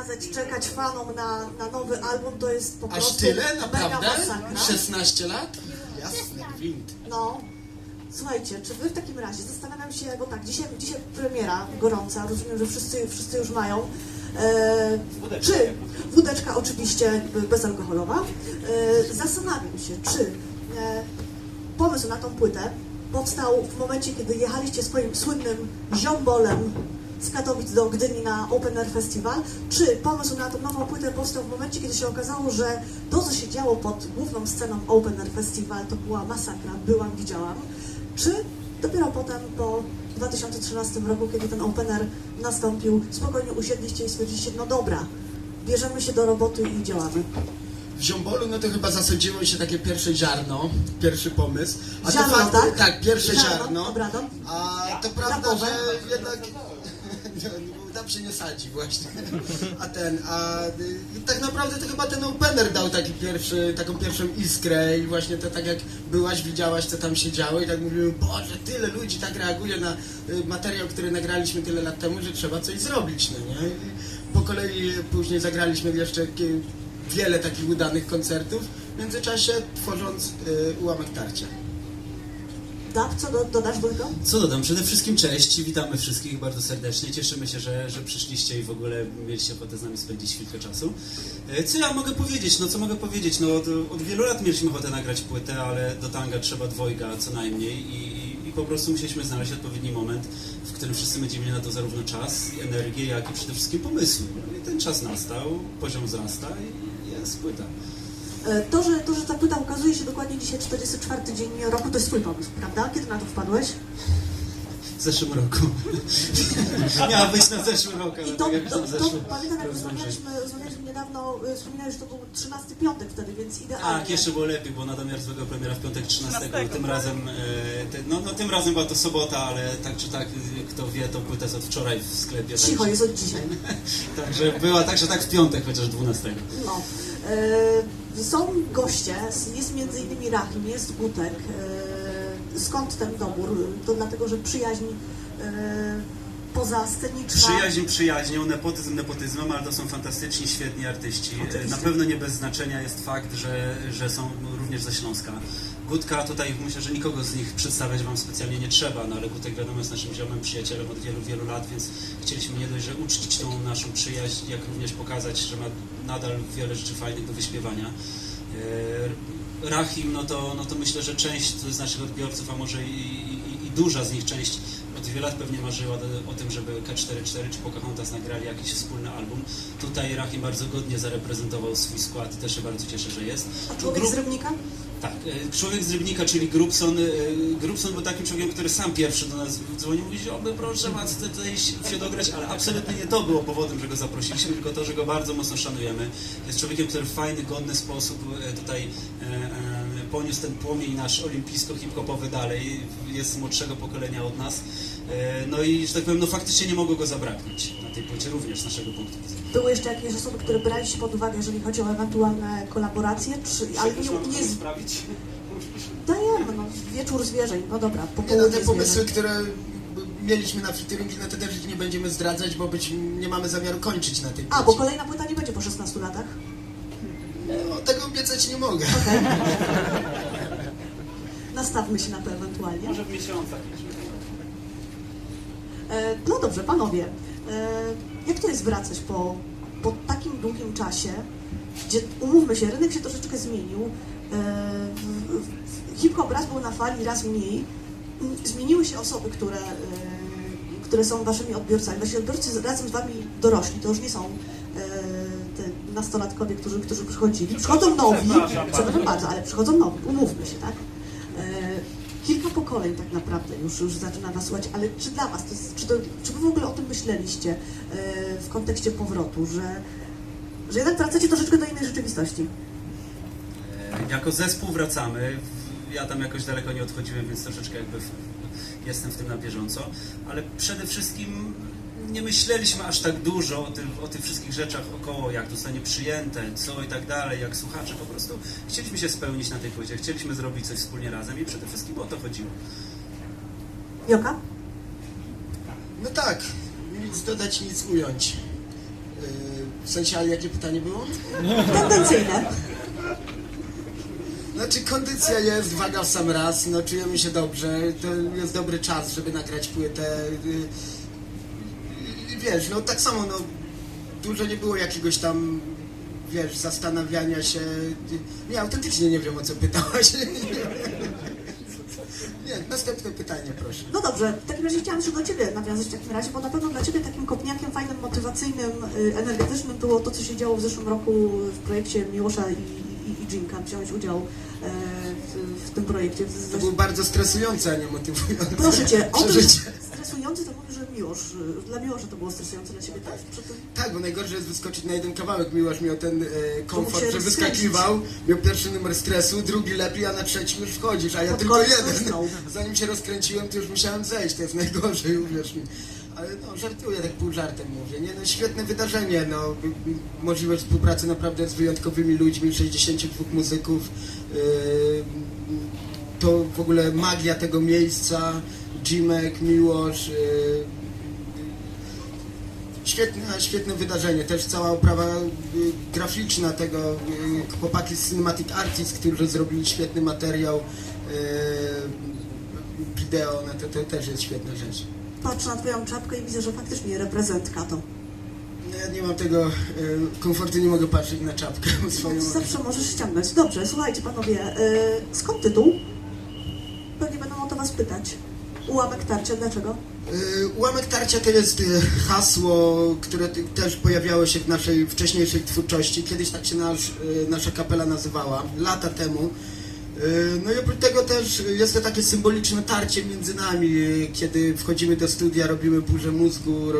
kazać czekać fanom na nowy album, to jest po prostu Aż tyle? mega Naprawdę? masakra. 16 lat? Jasny gwint. No, słuchajcie, czy wy w takim razie, zastanawiam się, bo tak, dzisiaj premiera gorąca, rozumiem, że wszyscy już mają. Czy wódeczka oczywiście bezalkoholowa. Zastanawiam się, czy pomysł na tą płytę powstał w momencie, kiedy jechaliście swoim słynnym ziombolem z Katowic do Gdyni na Open Air Festival, czy pomysł na tą nową płytę powstał w momencie, kiedy się okazało, że to, co się działo pod główną sceną Open Air Festival, to była masakra, widziałam, czy dopiero potem, po 2013 roku, kiedy ten Open Air nastąpił, spokojnie usiedliście i stwierdziliście, no dobra, bierzemy się do roboty i działamy. W Ziombolu no to chyba zasadziło się takie pierwsze ziarno, pierwszy pomysł. A Ziarno, to fakt, tak? tak, pierwsze ziarno. Obrado. A to prawda, Rapowe. że jednak tam się nie sadzi właśnie. Tak naprawdę to chyba ten opener dał taką pierwszą iskrę i właśnie to tak jak byłaś, widziałaś co tam się działo i tak mówimy, Boże, tyle ludzi tak reaguje na materiał, który nagraliśmy tyle lat temu, że trzeba coś zrobić, no nie? I po kolei później zagraliśmy jeszcze wiele takich udanych koncertów, w międzyczasie tworząc Ułamek Tarcia. Dab, co dodasz, Wójko? Co dodam? Przede wszystkim cześć, witamy wszystkich bardzo serdecznie, cieszymy się, że przyszliście i w ogóle mieliście ochotę z nami spędzić chwilkę czasu. Co ja mogę powiedzieć? No co mogę powiedzieć? No od wielu lat mieliśmy ochotę nagrać płytę, ale do tanga trzeba dwojga co najmniej i po prostu musieliśmy znaleźć odpowiedni moment, w którym wszyscy będziemy mieli na to zarówno czas, energię, jak i przede wszystkim pomysły. No i ten czas nastał, poziom wzrasta i jest płyta. To, że ta płyta ukazuje się dokładnie dzisiaj, 44 dzień roku, to jest twój pomysł, prawda? Kiedy na to wpadłeś? W zeszłym roku. Miała być na zeszły rok, ale I to, tak jak na zeszły. pamiętam, jak rozumiem, że- rozmawialiśmy niedawno, wspominałeś, że to był 13 piątek wtedy, więc idealnie. Tak, jeszcze było lepiej, bo Nadamiar złego premiera w piątek 13. Tym razem, tym razem była to sobota, ale tak czy tak, kto wie, to płyta jest od wczoraj w sklepie. Cicho, także, jest od dzisiaj. Także była tak, że tak w piątek, chociaż 12. No. Są goście, jest między innymi Rahim, jest Gutek. Skąd ten dobór? To dlatego, że przyjaźń pozasceniczna. Przyjaźń przyjaźnią, nepotyzm nepotyzmem, ale to są fantastyczni, świetni artyści. Oczywiście. Na pewno nie bez znaczenia jest fakt, że są również ze Śląska. Gutka tutaj myślę, że nikogo z nich przedstawiać wam specjalnie nie trzeba, no ale Gutek wiadomo jest naszym ziomem, przyjacielem od wielu, wielu lat, więc chcieliśmy nie dość, że uczcić tą naszą przyjaźń, jak również pokazać, że ma nadal wiele rzeczy fajnych do wyśpiewania. Rahim, no to myślę, że część z naszych odbiorców, a może i duża z nich część od wielu lat pewnie marzyła o tym, żeby K44 czy Pocahontas nagrali jakiś wspólny album. Tutaj Rahim bardzo godnie zareprezentował swój skład i też się bardzo cieszę, że jest. A człowiek z Rybnika? Tak, człowiek z Rybnika, czyli Grubson. Grubson był takim człowiekiem, który sam pierwszy do nas dzwonił, mówi, że proszę, chcę tutaj się dograć, ale absolutnie nie to było powodem, że go zaprosiliśmy, tylko to, że go bardzo mocno szanujemy. Jest człowiekiem, który w fajny, godny sposób tutaj poniósł ten płomień nasz olimpijsko-hip-hopowy dalej, jest z młodszego pokolenia od nas. No i, że tak powiem, no faktycznie nie mogło go zabraknąć na tej płycie również z naszego punktu widzenia. Były jeszcze jakieś osoby, które braliście pod uwagę, jeżeli chodzi o ewentualne kolaboracje? Ale nie sprawić? dajemy, no, wieczór zwierzeń, no dobra, Nie, no, popołudnie te pomysły, zwierzeń. które mieliśmy na featuringi, no to też nie będziemy zdradzać, bo nie mamy zamiaru kończyć na tej A, bo płycie. kolejna płyta nie będzie po 16 latach? No, tego obiecać nie mogę. Nastawmy się na to ewentualnie. Może w miesiącach. No dobrze, panowie, jak to jest wracać po takim długim czasie, gdzie, umówmy się, rynek się troszeczkę zmienił, hip-hop raz był na fali, raz mniej, zmieniły się osoby, które są waszymi odbiorcami. Wasi odbiorcy razem z wami dorośli, to już nie są te nastolatkowie, którzy przychodzili. Przychodzą nowi, przepraszam bardzo, ale przychodzą nowi, umówmy się, tak? Kilka pokoleń tak naprawdę już zaczyna was słuchać, ale czy dla was, czy wy w ogóle o tym myśleliście w kontekście powrotu, że jednak wracacie troszeczkę do innej rzeczywistości? Jako zespół wracamy. Ja tam jakoś daleko nie odchodziłem, więc troszeczkę jakby jestem w tym na bieżąco, ale przede wszystkim nie myśleliśmy aż tak dużo o tych wszystkich rzeczach około, jak to zostanie przyjęte, co i tak dalej, jak słuchacze po prostu. Chcieliśmy się spełnić na tej płycie, chcieliśmy zrobić coś wspólnie razem i przede wszystkim o to chodziło. Joka? No tak, nic dodać, nic ująć. W sensie, ale jakie pytanie było? Tendencyjne. Znaczy kondycja jest, waga w sam raz, no czujemy się dobrze, to jest dobry czas, żeby nagrać płytę. Wiesz, no tak samo, no dużo nie było jakiegoś tam, wiesz, zastanawiania się. Nie, autentycznie nie wiem, o co pytałaś. Nie, następne pytanie, proszę. No dobrze, w takim razie chciałam jeszcze do Ciebie nawiązać w takim razie, bo na pewno dla Ciebie takim kopniakiem fajnym, motywacyjnym, energetycznym było to, co się działo w zeszłym roku w projekcie Miłosza i Dżinka. Wziąłeś udział w tym projekcie. To było bardzo stresujące, a nie motywujące. Proszę Cię, o tym przeżycie. stresujący to mówię, że Miłosz, dla Miłosza to było stresujące, dla Ciebie też? Tak, bo najgorsze jest wyskoczyć na jeden kawałek. Miłosz miał ten komfort, się że rozkręcić. wyskakiwał, miał pierwszy numer stresu, drugi lepiej, a na trzecim już wchodzisz, a ja Pod tylko koniec jeden. usnął. Zanim się rozkręciłem, to już musiałem zejść, to jest najgorzej, uwierz mi. Ale no, żartuję, tak pół żartem mówię. Nie, no, świetne wydarzenie, no, możliwość współpracy naprawdę z wyjątkowymi ludźmi, 62 muzyków, to w ogóle magia tego miejsca, Jimek, Miłosz, świetne wydarzenie, też cała oprawa graficzna tego, chłopaki z Cinematic Artists, którzy zrobili świetny materiał, wideo, no to też jest świetna rzecz. Patrzę na Twoją czapkę i widzę, że faktycznie reprezentka to. No, ja nie mam tego komfortu, nie mogę patrzeć na czapkę swoją. Zawsze możesz ściągnąć. Dobrze, słuchajcie panowie, skąd tytuł? Pewnie będą o to Was pytać. Ułamek tarcia, dlaczego? Ułamek tarcia to jest hasło, które też pojawiało się w naszej wcześniejszej twórczości. Kiedyś tak się nasza kapela nazywała, lata temu. No i oprócz tego też jest to takie symboliczne tarcie między nami, kiedy wchodzimy do studia, robimy burzę mózgu,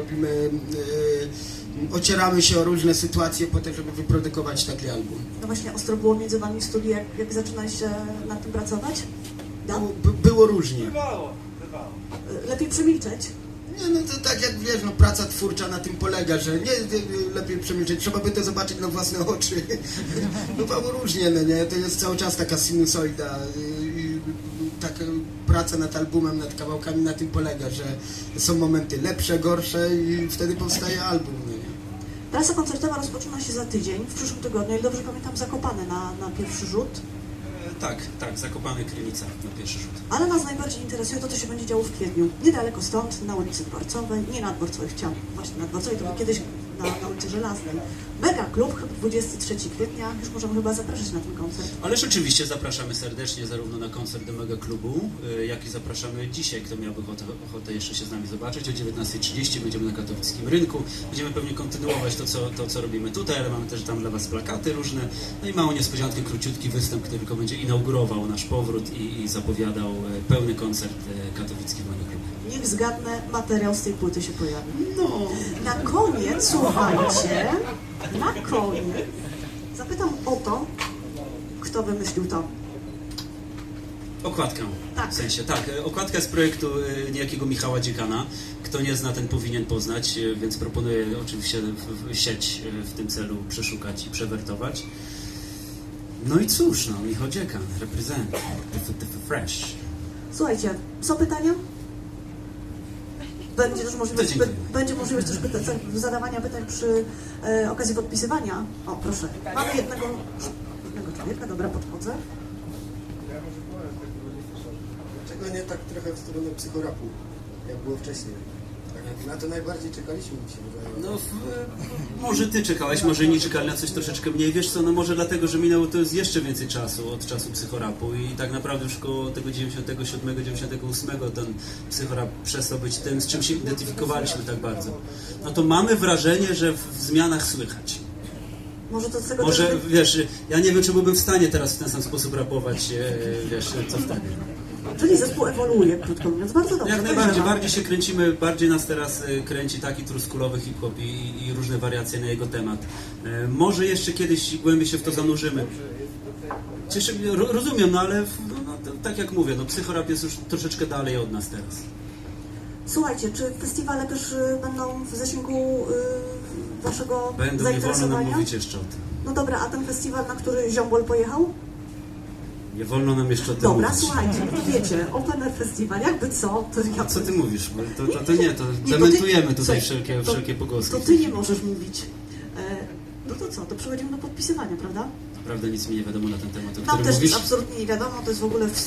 ocieramy się o różne sytuacje po to, żeby wyprodukować taki album. No właśnie, ostro było między Wami w studiu, jak zaczynaliście nad tym pracować? Da? Było różnie. Lepiej przemilczeć. Nie, no to tak jak wiesz, no praca twórcza na tym polega, że nie lepiej przemilczeć, trzeba by to zobaczyć na własne oczy. Bywało różnie, no nie, to jest cały czas taka sinusoida i taka praca nad albumem, nad kawałkami na tym polega, że są momenty lepsze, gorsze i wtedy powstaje album, no nie. Trasa koncertowa rozpoczyna się za tydzień, w przyszłym tygodniu, jak dobrze pamiętam, Zakopane na pierwszy rzut. Tak, Zakopane Krynica na pierwszy rzut. Ale nas najbardziej interesuje to, co się będzie działo w kwietniu. Niedaleko stąd, na ulicy Dworcowej, nie na Dworcowej, chciałam właśnie na Dworcowej, to był kiedyś na ulicy Żelaznej. Mega Klub, 23 kwietnia, już możemy chyba zapraszać na ten koncert. Ależ oczywiście zapraszamy serdecznie zarówno na koncert do Mega Klubu, jak i zapraszamy dzisiaj, kto miałby ochotę jeszcze się z nami zobaczyć. O 19:30 będziemy na katowickim rynku. Będziemy pewnie kontynuować to, co robimy tutaj, ale mamy też tam dla Was plakaty różne. No i małą niespodziankę, króciutki występ, który tylko będzie inaugurował nasz powrót i zapowiadał pełny koncert katowicki w Mega Klubie. Niech zgadnę, materiał z tej płyty się pojawi. No, Na koniec, słuchajcie, na koniec zapytam o to, kto wymyślił to. okładkę. Tak. W sensie, tak. Okładka z projektu niejakiego Michała Dziekana. Kto nie zna, ten powinien poznać, więc proponuję oczywiście sieć w tym celu przeszukać i przewertować. No i cóż, no, Michał Dziekan, represent, the fresh. Słuchajcie, są pytania? Będzie też możliwość, To dziękuję. będzie możliwość też zadawania pytań przy okazji podpisywania. O, proszę. Mamy jednego człowieka, dobra, podchodzę. Dlaczego nie tak trochę w stronę psychorapu, jak było wcześniej? Tak, na to najbardziej czekaliśmy, mi się wydaje. No, może ty czekałeś, może inni czekali na coś troszeczkę mniej. Wiesz co, no może dlatego, że minęło to jest jeszcze więcej czasu od czasu psychorapu i tak naprawdę już koło tego 97, 98 ten psychorap przestał być tym, z czym się identyfikowaliśmy tak bardzo. No to mamy wrażenie, że w zmianach słychać. Może to z tego Może, też- wiesz, ja nie wiem, czy byłbym w stanie teraz w ten sam sposób rapować, wiesz, co wtedy. Czyli zespół ewoluuje, krótko mówiąc. Bardzo dobrze. Jak najbardziej, bardziej się kręcimy, bardziej nas teraz kręci taki truskulowy hip-hop i różne wariacje na jego temat. Może jeszcze kiedyś głębiej się w to zanurzymy. Cieszę mnie, rozumiem, no ale tak jak mówię, no psychorap jest już troszeczkę dalej od nas teraz. Słuchajcie, czy festiwale też będą w zasięgu waszego Będą, nie wolno nam zainteresowania? mówić jeszcze o tym. No dobra, a ten festiwal, na który Ziombol pojechał? Nie wolno nam jeszcze o tym Dobra, mówić. słuchajcie, to wiecie, Open Air Festival, jakby co, to ja... A co ty mówisz? Bo to nie, to Nie, to ty- dementujemy tutaj Słuchaj, wszelkie pogłoski. To ty nie możesz mówić. No to co, to przechodzimy do podpisywania, prawda? Naprawdę nic mi nie wiadomo na ten temat, o Nam którym też mówisz. nic absolutnie nie wiadomo, to jest w ogóle